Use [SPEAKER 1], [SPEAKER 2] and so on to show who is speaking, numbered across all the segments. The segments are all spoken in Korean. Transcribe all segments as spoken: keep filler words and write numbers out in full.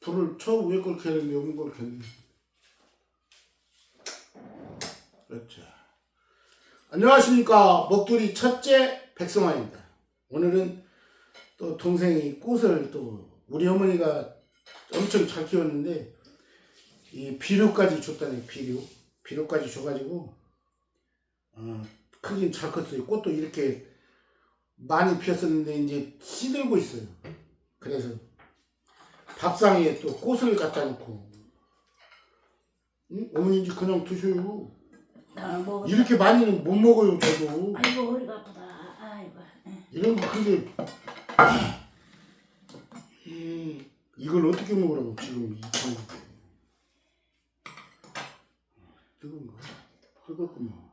[SPEAKER 1] 불을 저 위에 걸 켜는데 없는 걸 켰네. 그렇죠. 안녕하십니까. 먹두리 첫째 백성환입니다. 오늘은 또 동생이 꽃을 또 우리 어머니가 엄청 잘 키웠는데 이 비료까지 줬다니. 비료 비료까지 줘가지고 어, 크긴 잘 컸어요. 꽃도 이렇게 많이 피었었는데 이제 시들고 있어요. 그래서 밥상에 또 꽃을 갖다 놓고. 응? 어머니 이제 그냥 드셔요.
[SPEAKER 2] 나 먹었다.
[SPEAKER 1] 이렇게 많이는 못 먹어요. 저도
[SPEAKER 2] 아이고 허리가 아프다. 아이고.
[SPEAKER 1] 이런 거. 근데 이, 이걸 어떻게 먹으라고 지금 이 정도. 뜨거운가? 뜨겁구만.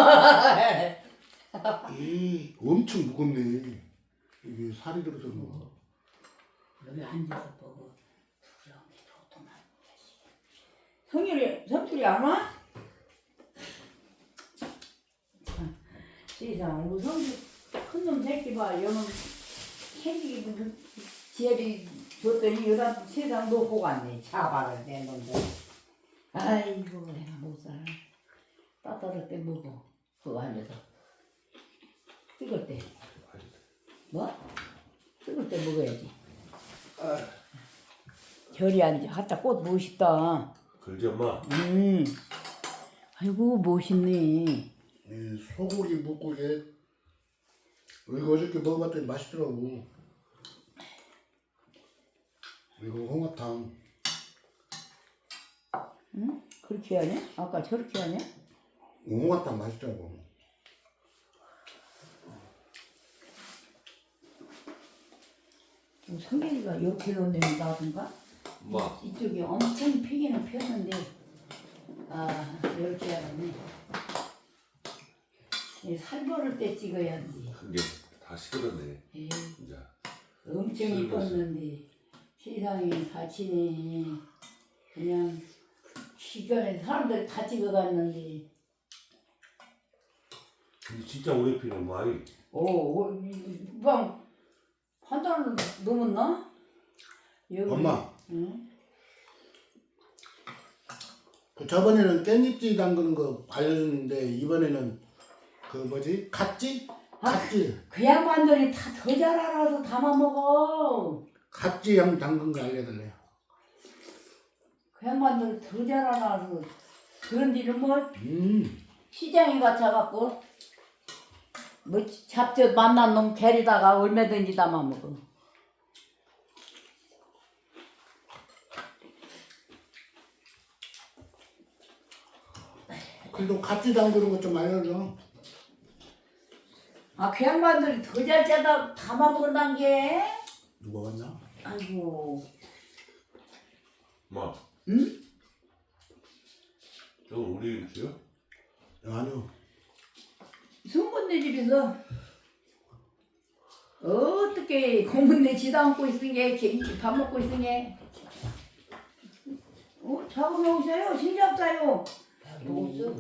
[SPEAKER 1] 이 엄청 무겁네. 이게 살이 들어서 그런가.
[SPEAKER 2] 여기 앉아서 보고 부러운데 보통 안 보지. 성일이 성일이 안 와? 참, 세상 우리 성일 큰놈 새끼 봐. 여는 새끼 지혜리 줬더니 여자 세상 놓고 갔네. 자발을 내 놈들. 아이고 내가 못 살아. 따뜻할 때 먹어. 그거 앉아서. 뜨거울 때. 뭐? 뜨거울 때 먹어야지. 별이 앉아. 하다 꽃 멋있다.
[SPEAKER 3] 그러지 엄마.
[SPEAKER 2] 음. 아이고 멋있네.
[SPEAKER 1] 이 소고기 묵국에 이거 어저께 먹어봤더니 맛있더라고. 이거 홍합탕.
[SPEAKER 2] 응? 그렇게 하냐? 아까 저렇게 하냐?
[SPEAKER 1] 홍합탕 맛있더라고.
[SPEAKER 2] 성현이가 이렇게 놓는 나든가?
[SPEAKER 3] 엄마.
[SPEAKER 2] 이쪽이 엄청 피기는 폈는데 아 이렇게 하네. 살벌을 때 찍어야지.
[SPEAKER 3] 그게 다 식었네.
[SPEAKER 2] 에이,
[SPEAKER 3] 이제.
[SPEAKER 2] 엄청 이뻤는데 세상에 다치네. 그냥 시간에 사람들이 다 찍어갔는데.
[SPEAKER 3] 근데 진짜 오래 피는 많이.
[SPEAKER 2] 오, 막 한 달 넘었나? 여기.
[SPEAKER 1] 엄마.
[SPEAKER 2] 응?
[SPEAKER 1] 그 저번에는 깻잎지 담그는 거 알려줬는데 이번에는 그 뭐지? 갓지? 갓지.
[SPEAKER 2] 그 양반들이 다 더 잘 알아서 담아 먹어.
[SPEAKER 1] 갓지 양 담근 거 알려달래요.
[SPEAKER 2] 그 양반들이 더 잘 알아서 그런 일은 뭐
[SPEAKER 1] 음.
[SPEAKER 2] 시장에 갇혀갖고 뭐 잡저 만난 놈 데리다가 얼마든지 담아 먹어.
[SPEAKER 1] 그래도 갓지 담그는 거 좀 알려줘.
[SPEAKER 2] 아, 그 양반들이 더 잘 짜다 담아 먹는단 게?
[SPEAKER 1] 누가 왔나?
[SPEAKER 2] 아이고.
[SPEAKER 3] 엄마.
[SPEAKER 2] 응?
[SPEAKER 3] 저 우리 음식이요?
[SPEAKER 1] 아니요.
[SPEAKER 2] 송곳네 집에서 어떻게 고문네 지도 않고 있으니 밥 먹고 있으니 어? 작업해 오셔요. 신잡자요. 먹었어?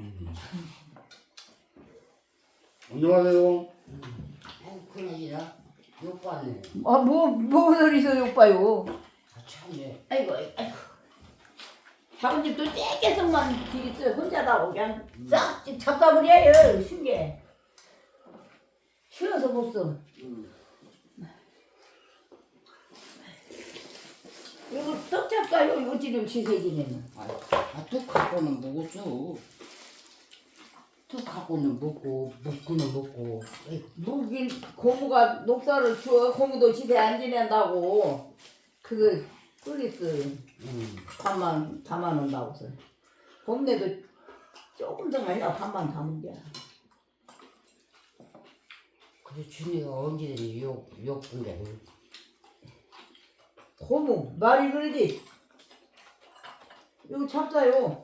[SPEAKER 1] 안녕하세요.
[SPEAKER 4] 아이고 그러니라 욕받네.
[SPEAKER 2] 아, 뭐, 뭐 소리서 욕봐요.
[SPEAKER 4] 아 참네.
[SPEAKER 2] 아이고, 아이고. 작은 집도 쬐개성만 길 있어요. 혼자다 그냥 싹 잡다버려요. 신게. 쉬어서 못 써. 이거 떡 잡가요? 이거 지금 시세지네는.
[SPEAKER 4] 아또 갖고는 먹었어. 또 갖고는 먹고 먹고는 먹고.
[SPEAKER 2] 무긴 고무가 녹사를 주워 고무도 집에 안 지낸다고 그거 끓였어.
[SPEAKER 4] 응.
[SPEAKER 2] 반만 담아놓는다고서. 봄내도 조금 더 아니라 반만 담은 거야.
[SPEAKER 4] 그래 준이가 언제든지 욕 욕분데.
[SPEAKER 2] 고무 말이 그러지. 이거 잡자요.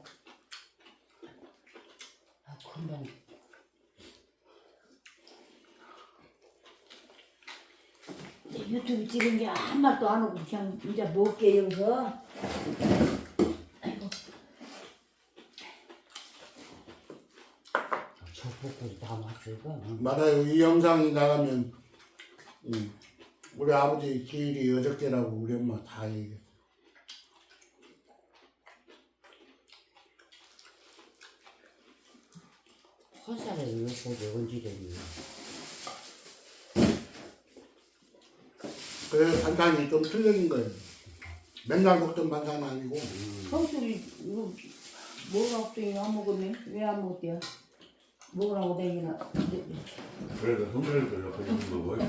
[SPEAKER 4] 아 금방.
[SPEAKER 2] 이제 유튜브 찍은 게 한 말도 안 하고 그냥 이제 먹게 여기서. 아이고.
[SPEAKER 4] 저 볶음 다 맞추고.
[SPEAKER 1] 맞아요. 이 영상이 나가면 음, 우리 아버지 기일이 어저께라고 우리 엄마 다 얘기해.
[SPEAKER 4] 헛살에 욕보지 언제든지.
[SPEAKER 1] 그래서 반찬이 좀 틀린 거예요. 맨날 먹던 반찬이 아니고.
[SPEAKER 2] 성수리 이거 뭐가 없더니 안 먹었네? 왜 안 먹었대요? 먹으라고 댕기나?
[SPEAKER 3] 그래도 흥미를 이렇게 있는 거고.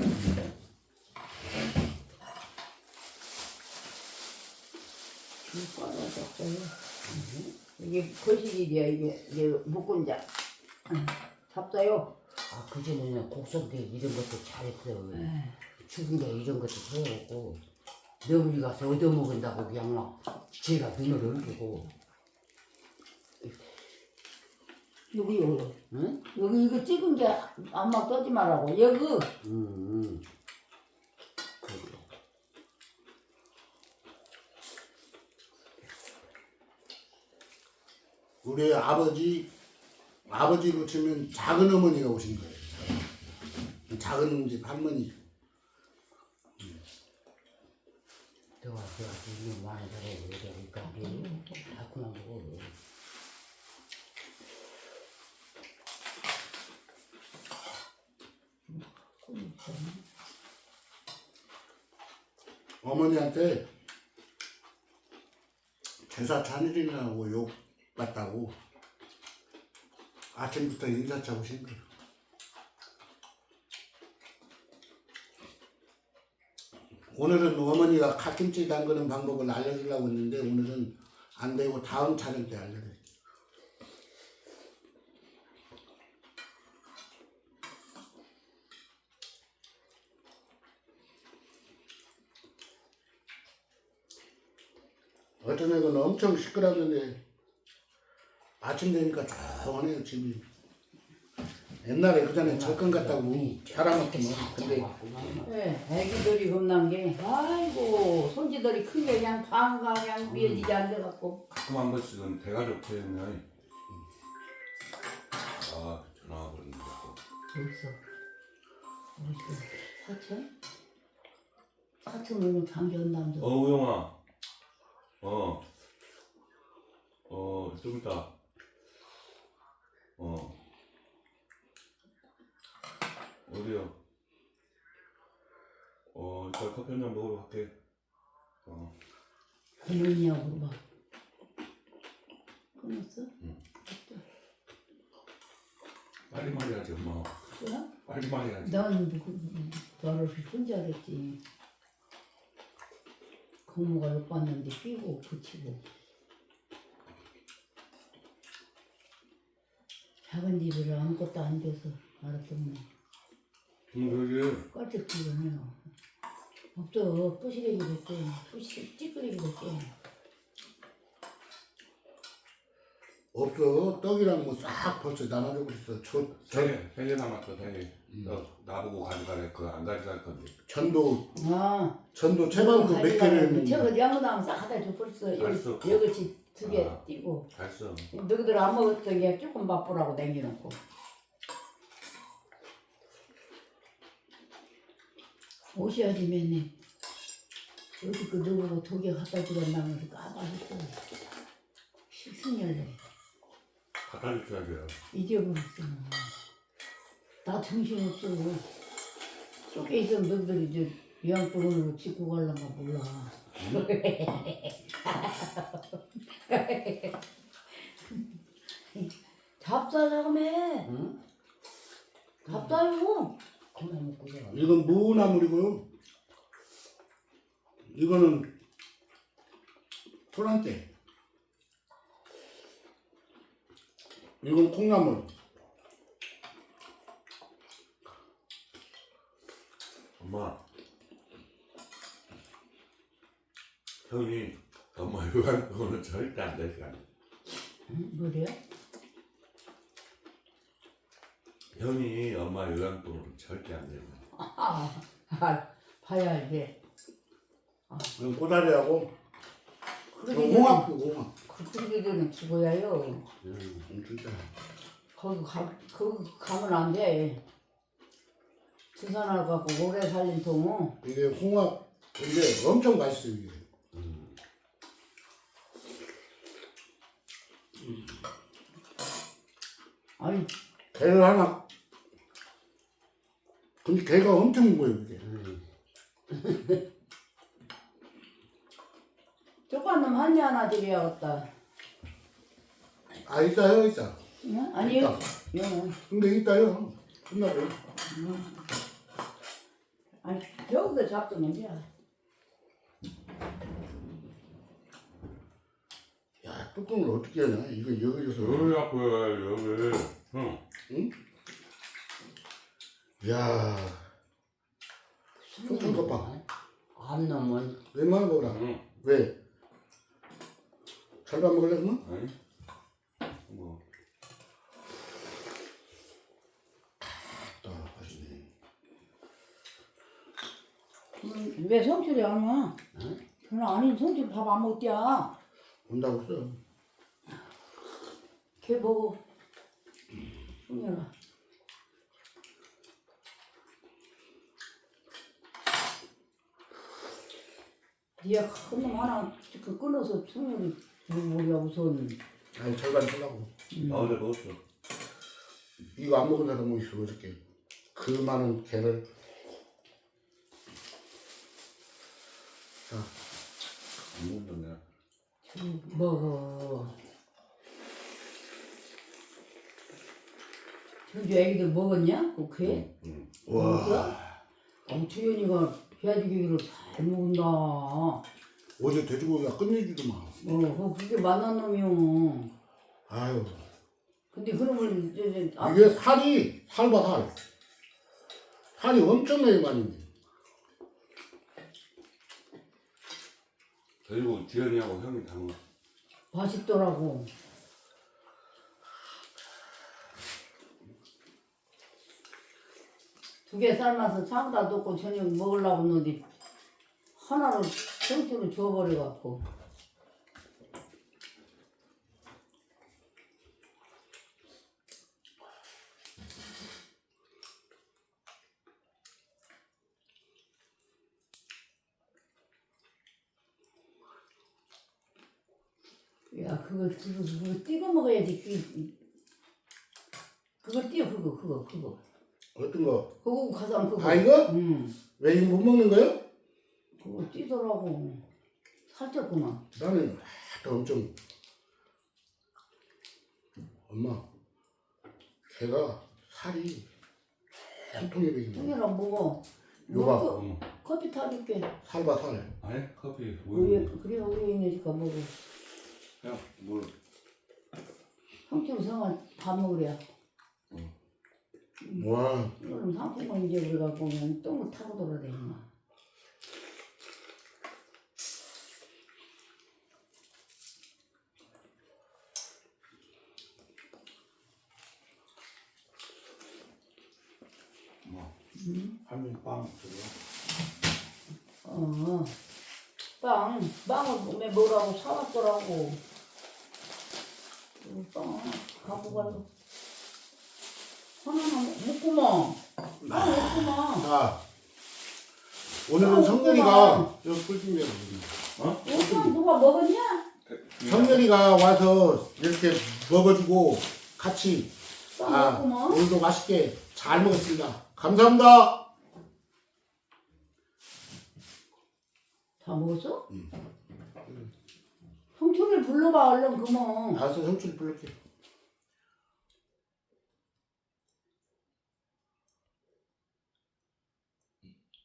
[SPEAKER 2] 줄 빨아졌어요. 이게 거실이야 이게 이게 묶은 자 잡자요.
[SPEAKER 4] 아 그전에는 곡성대 이런 것도 잘했어.
[SPEAKER 2] 에.
[SPEAKER 4] 죽은 게 이런 것도 소용없고 너물이 가서 얻어먹은다고 그냥 막 제가 눈을 흘리고.
[SPEAKER 2] 여기 여기
[SPEAKER 4] 응?
[SPEAKER 2] 여기 이거 찍은 게 안막 떠지 말라고 여기.
[SPEAKER 4] 응, 응. 그래.
[SPEAKER 1] 우리 아버지, 아버지로 치면 작은 어머니가 오신 거예요. 작은 집 할머니.
[SPEAKER 4] 너가 너가 이거 많이 잘하고 그러니까 이게 자꾸만 보고.
[SPEAKER 1] 어머니한테 제사 찬일이라고 욕 받다고 아침부터 인사차 오신 거예요. 오늘은 어머니가 갓김치 담그는 방법을 알려주려고 했는데 오늘은 안 되고 다음 촬영 때 알려드릴게요. 어떤 애는 엄청 시끄럽는데 아침 되니까 조용해요 집이. 옛날에 그 전에 철근 같다고 사람 같으면 근데
[SPEAKER 2] 네, 애기들이 겁난 게 아이고 손지들이 큰 게 그냥 방가 그냥 미어지지 않아갖고
[SPEAKER 3] 가끔 한 번씩은 대가족 표현이 아 전화가 그러는데
[SPEAKER 2] 어디서 어디서 사천? 사천 오면 장기연남도
[SPEAKER 3] 어 우영아 어 어 좀 이따 어 어디요? 어 이따 커피 한잔 먹으러 갈게 어
[SPEAKER 2] 끊었냐고 물어봐. 끊었어?
[SPEAKER 3] 빨리 말해야지 엄마
[SPEAKER 2] 그래?
[SPEAKER 3] 빨리 말해야지
[SPEAKER 2] 난 너를 혼자 했지. 고모가 욕 봤는데 삐고 붙이고 작은 집을 아무것도 안 줘서 알았더니
[SPEAKER 3] 응 그러지
[SPEAKER 2] 껄쩍 부르네요. 없어 뿌시래기 됐대. 뿌시 찌끄레기 됐대.
[SPEAKER 1] 없어. 떡이랑 뭐 싹 벌써 나눠주고 있어. 저, 저
[SPEAKER 3] 세개 세 개 남았어 세개 너 나보고 가져가래 그거 안 가져갈 건데
[SPEAKER 1] 전도
[SPEAKER 2] 아
[SPEAKER 1] 전도 채반도 몇 개를
[SPEAKER 2] 저거 양나무 싹 하다 줘 벌써 여기
[SPEAKER 3] 알았어.
[SPEAKER 2] 여기 두개
[SPEAKER 3] 아.
[SPEAKER 2] 띄고
[SPEAKER 3] 잘써
[SPEAKER 2] 너희들 안 먹었던 게 조금 맛보라고 남겨놓고 오셔야지 맨날 어디 그 너보고 독에 갖다 주란다면서 까봐했어. 식승열래
[SPEAKER 3] 갖다 줘야죠
[SPEAKER 2] 잊어버렸어. 나 정신없어. 속에 있으면 너희들이 저 요양병원으로 짓고 갈란가 몰라. 잡사자고 해.
[SPEAKER 4] 응?
[SPEAKER 2] 잡사요.
[SPEAKER 4] 그만 먹고 자.
[SPEAKER 1] 이건 무나물이고요. 이거는 토란대. 이건 콩나물.
[SPEAKER 3] 엄마 형이 엄마 요양병원은 절대 안 될 거야
[SPEAKER 2] 응? 뭐래요?
[SPEAKER 3] 형이 엄마 요양병원은 절대 안 될 거야
[SPEAKER 2] 아, 아 봐야 돼.
[SPEAKER 1] 이건 꼬다리하고
[SPEAKER 2] 그러게
[SPEAKER 1] 홍합도 홍합.
[SPEAKER 2] 그러게 되는 죽어야요.
[SPEAKER 1] 음, 진짜.
[SPEAKER 2] 거기 가 거기 가면 안 돼. 주산을 갖고 오래 살린 통은
[SPEAKER 1] 이게 홍합 근데 엄청 맛있어요 이게.
[SPEAKER 2] 아니
[SPEAKER 1] 개를 하나. 근데 개가 엄청 무거워요 이게.
[SPEAKER 2] 조그만 놈 한 개 하나 드려야겠다.
[SPEAKER 1] 아 있다요 있다.
[SPEAKER 2] 응? 아니
[SPEAKER 1] 있다.
[SPEAKER 2] 영.
[SPEAKER 1] 근데 있다요. 끝나죠.
[SPEAKER 2] 아니 여기서 잡수면 돼.
[SPEAKER 1] 야 뚜껑을 어떻게 하냐? 이거 여기서.
[SPEAKER 3] 여기 갖고 해, 여기. 응.
[SPEAKER 1] 응? 야. 뚜껑 거 봐.
[SPEAKER 4] 안 넣으면
[SPEAKER 1] 웬만한 거라.
[SPEAKER 3] 응.
[SPEAKER 1] 왜? 잘밥 먹을래 그러면?
[SPEAKER 3] 아니. 뭐.
[SPEAKER 1] 아 맛있네.
[SPEAKER 2] 음, 왜 성철이 안 와?
[SPEAKER 4] 응?
[SPEAKER 2] 그럼 아니 성철 밥 안 먹디야.
[SPEAKER 1] 온다고 써.
[SPEAKER 2] 걔 먹어. 승열아. 니가 큰 놈 하나 그 끊어서 승열이 우리가 우선.
[SPEAKER 1] 아니 절반 쓰려고.
[SPEAKER 3] 나 어제 먹었어.
[SPEAKER 1] 이거 안 먹은 사람 뭐 있어 어저께. 그 많은 개를. 자.
[SPEAKER 3] 안 먹었네.
[SPEAKER 2] 먹어. 현주 애기들 먹었냐? 그 개?
[SPEAKER 3] 응.
[SPEAKER 1] 와.
[SPEAKER 2] 어, 주연이가 돼지고기를 잘 먹는다. 어,
[SPEAKER 1] 어제 돼지고기가 끝내주도 마.
[SPEAKER 2] 그 그게 만난 놈이요.
[SPEAKER 1] 아유.
[SPEAKER 2] 근데 그러면 이제 이제 아,
[SPEAKER 1] 이게 살이 살봐 살. 살이 엄청나게 많이 있네.
[SPEAKER 3] 그리고 지연이하고 형이 다 먹었어.
[SPEAKER 2] 맛있더라고. 두 개 삶아서 장다 넣고 저녁 먹으려고 했는데 하나를 생채로 줘버려갖고. 야 그거 그거 그거 띄고 먹어야지. 그 그거 띄어 그거 그거 그거
[SPEAKER 1] 어떤 거?
[SPEAKER 2] 그거 가장 그거.
[SPEAKER 1] 아 이거?
[SPEAKER 2] 응.
[SPEAKER 1] 왜 이거 못 먹는 거요?
[SPEAKER 2] 그거 띄더라고. 살쪘구나.
[SPEAKER 1] 나는 아, 또 엄청. 엄마. 걔가 살이 통통해 보이네.
[SPEAKER 2] 형이라 먹어.
[SPEAKER 1] 이거 봐.
[SPEAKER 2] 먹고
[SPEAKER 3] 응.
[SPEAKER 2] 커피 타줄게.
[SPEAKER 1] 살봐 살.
[SPEAKER 3] 아니 커피
[SPEAKER 2] 우유
[SPEAKER 3] 우유.
[SPEAKER 2] 그래 우유 있으니까 먹어.
[SPEAKER 3] 그냥 물.
[SPEAKER 2] 형님 성아 밥 먹으랴.
[SPEAKER 1] 와.
[SPEAKER 2] 그럼 상품은 이제 우리가 보면 똥을 타고 돌아다니나.
[SPEAKER 3] 뭐.
[SPEAKER 2] 응?
[SPEAKER 3] 한명 빵 들어.
[SPEAKER 2] 어. 빵 빵을 몸에 뭐라고 사왔더라고. 그 빵 갖고 가서 하나만 먹구만. 빵 먹구만.
[SPEAKER 1] 자. 오늘은
[SPEAKER 2] 아,
[SPEAKER 1] 성렬이가 저 꿀준비해
[SPEAKER 3] 어?
[SPEAKER 2] 오빠 누가 먹었냐?
[SPEAKER 1] 성렬이가 와서 이렇게 먹어주고 같이
[SPEAKER 2] 빵
[SPEAKER 1] 아
[SPEAKER 2] 먹구만.
[SPEAKER 1] 오늘도 맛있게 잘 먹었습니다. 감사합니다.
[SPEAKER 2] 다 먹었어?
[SPEAKER 1] 응.
[SPEAKER 2] 형철이 불러봐 얼른 그만.
[SPEAKER 1] 알았어, 성춘 불러게.